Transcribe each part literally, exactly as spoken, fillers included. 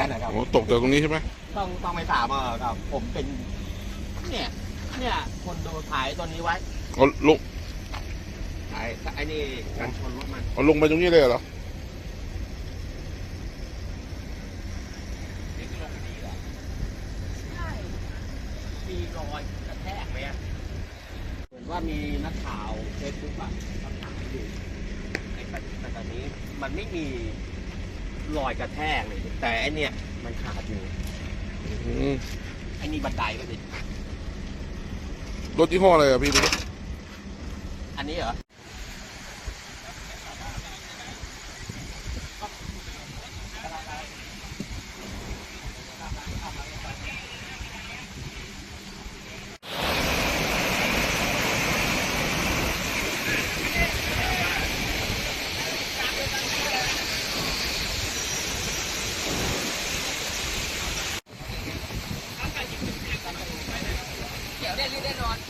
นะครับโอ้ตกจากตรงนี้ใช่ไหมต้องต้องไปถามอ่ะครับผมเป็นเนี่ยเนี่ยคนดูถ่ายตัวนี้ไว้เอาลงถ่ายไอ้นี่การชนรถมันเอาลงไปตรงนี้เลยเหรอนี่ลงดีเหรอใช่มีรอยกระแทกไหมอ่ะเหมือนว่ามีนักข่าวเฟซบุ๊กอ่ะเขาถามอยู่แต่ตอนนี้มันไม่มีรอยกระแทกเลยแต่ไอเนี่ยมันขาดอยู่ไอ้นี่บันไดก็ดิรถยี่ห้ออะไรอ่ะพี่ดูอันนี้เหรอเดี๋ยวได้รีบได้นอน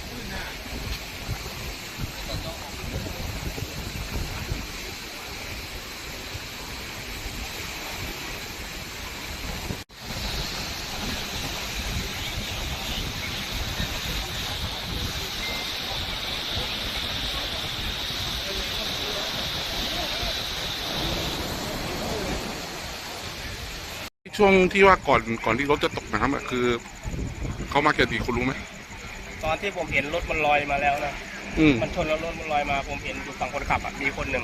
ช่วงที่ว่าก่อนก่อนที่รถจะตกน้ำอ่ะคือเขามากี่คนรู้ไหมตอนที่ผมเห็นรถมันลอยมาแล้วนะอืมมันชนแล้วรถมันลอยมาผมเห็นอยู่ฝั่งคนขับอ่ะมีคนหนึ่ง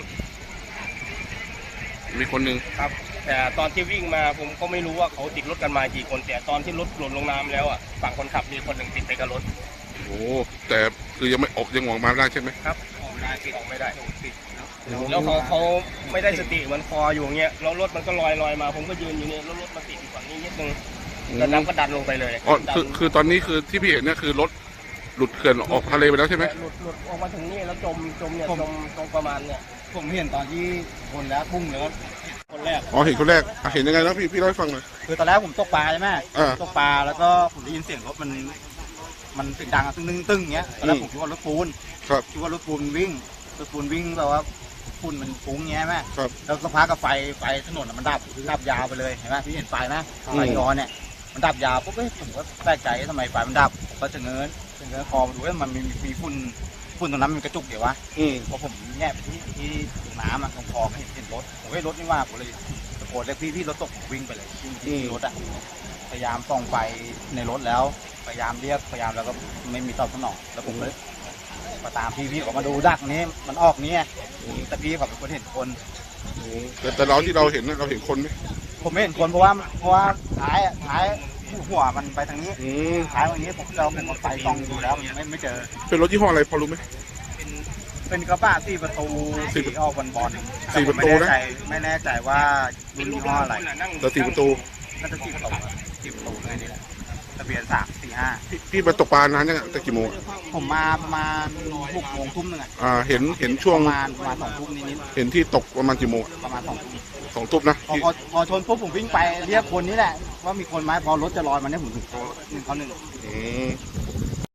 มีคนหนึ่งครับแต่ตอนที่วิ่งมาผมก็ไม่รู้ว่าเขาติดรถกันมากี่คนแต่ตอนที่รถหล่นลงน้ำแล้วอ่ะฝั่งคนขับมีคนหนึ่งติดไปกับรถโอ้แต่คือยังไม่ออกยังออกมาไม่ได้ใช่ไหมครับออกได้ติดออกไม่ได้ติดแล้วเขาเขาไม่ได้สติเหมือนคออยู่เงี้ยแล้วรถมันก็ลอยลอยมาผมก็ยืนอยู่นี่แล้วรถมันติดอยู่ฝั่งนี้นิดนึงแล้วน้ำก็ดันลงไปเลยอ๋อคือคือตอนนี้คือที่พี่เห็นเนี่ยคือรถหลุดเขื่อนออกทะเลไปแล้วใช่ไหมหลุดหลุดออกมาถึงนี่แล้วจมจมเนี่ยจมตรงประมาณเนี่ยผมเห็นตอนที่คนแล้วพุ่งแล้วคนแรกอ๋อเห็นคนแรกเห็นยังไงนะพี่พี่เล่าให้ฟังหน่อยคือตอนแรกผมตกปลาใช่ไหมตกปลาแล้วก็ผมได้ยินเสียงรถมันมันเสียงดังตึ้งตึ้งตึ้งเงี้ยตอนแรกผมคิดว่ารถปูนครับคิดว่ารถปูนวิ่งรถปูนวิ่งแบบว่าฝุ่นมันฟุ้งเงี้ยไหมครับแล้วสักพักกับไฟไฟถนนมันดับดับยาวไปเลยเห็นไหมพี่เห็นไฟนะไฟย้อนเนี่ยมันดับยาวปุ๊บเอ้ยผมก็แปลกใจทำไมไฟมันดับผมก็จะเงินจะเงินคอมาดูว่ามันมีมีฝุ่นฝุ่นตรงนั้นมันกระจุกเดี๋ยววะพอผมแง่ไปที่ที่น้ำอ่ะตรงคอก็เห็นเห็นรถผมก็รถนี่ว่าผมเลยตะโกนเรียกพี่พี่รถตกวิ่งไปเลยวิ่งที่รถอ่ะพยายามส่องไฟในรถแล้วพยายามเรียกพยายามแล้วก็ไม่มีตอบสนองแล้วผมเลยมาตามพี่พี่ออกมาดูดักนี้มันออกนี้แต่พี่เขาเป็นคนเห็นคนแต่แต่เราที่เราเห็นเราเห็นคนไหมผมไม่เห็นคนเพราะว่าเพราะว่าท้ายท้ายหัวมันไปทางนี้ท้ายตรงนี้ผมเราเป็นคนไฟส่องดูแล้วมันไม่ไม่เจอเป็นรถยี่ห้ออะไรพอรู้ไหมเป็นเป็นกระบะสี่ประตูสีออกบอลบอลสี่ประตูนะไม่แน่ใจว่ารุ่นยี่ห้ออะไรแต่สี่ประตูน่าจะสี่ประตูสี่ประตูเลยนี่แหละทะเบียนสามสี่ห้าพี่ไปตกปลานานยังแต่กี่โมงผมมาประมาณหกโมงทุ่มหนึ่งอ่าเห็นเห็นช่วงประมาณประมาณสองทุ่มนิดเห็นที่ตกประมาณกี่โมงประมาณสองทุ่มสองทุ่มนะพอพอชนปุ๊บผมวิ่งไปเรียกคนนี้แหละว่ามีคนไหมพอรถจะลอยมาเนี่ยผมถึงโทรหนึ่งเขาหนึ่งอืม